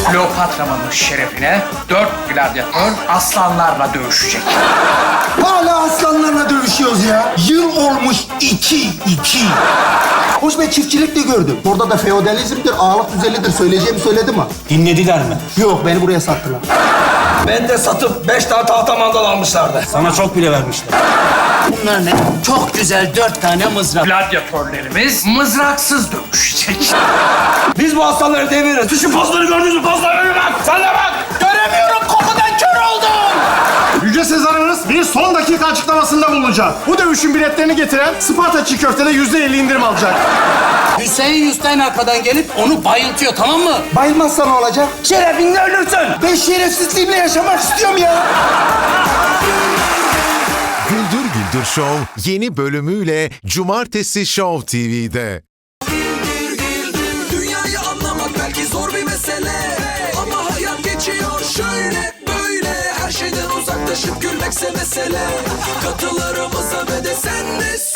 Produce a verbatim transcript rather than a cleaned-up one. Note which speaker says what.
Speaker 1: Kleopatra'nın şerefine dört gladyatör aslanlarla dövüşecek.
Speaker 2: Hala aslanlarla dövüşüyoruz ya. Yıl olmuş iki, iki. Hoş ben çiftçilik de gördüm. Orada da feodalizmdir, ağalık düzenidir. Söyleyeceğimi söyledim mi?
Speaker 3: Dinlediler mi?
Speaker 2: Yok, beni buraya sattılar.
Speaker 4: Ben de satıp beş tane tahta mandal almışlardı.
Speaker 3: Sana çok bile vermişler.
Speaker 5: Bunlar ne? Çok güzel dört tane mızrak.
Speaker 1: Gladyatörlerimiz mızraksız dövüşecek.
Speaker 4: Biz bu aslanları deviririz. Şu pozları gördünüz mü? Pozlara bak. Sen de bak. Göremiyorum. Kokudan kör oldum.
Speaker 6: Yüce Sezarımız bir son dakika açıklamasında bulunacak. Bu dövüşün biletlerini getiren Sparta çiğ köftede yüzde elli indirim alacak.
Speaker 5: Hüseyin Yüsteyn arkadan gelip onu bayıltıyor, tamam mı?
Speaker 2: Bayılmazsa ne olacak?
Speaker 5: Şerefinle ölürsün.
Speaker 2: Ben şerefsizliğimle yaşamak istiyorum ya.
Speaker 7: Güldür Güldür Show yeni bölümüyle Cumartesi Show T V'de.
Speaker 8: Dünyayı anlamak belki zor bir mesele, ama hayat geçiyor şöyle böyle. Her şeyden uzaklaşıp gülmekse mesele. Katılarımıza ve de sen de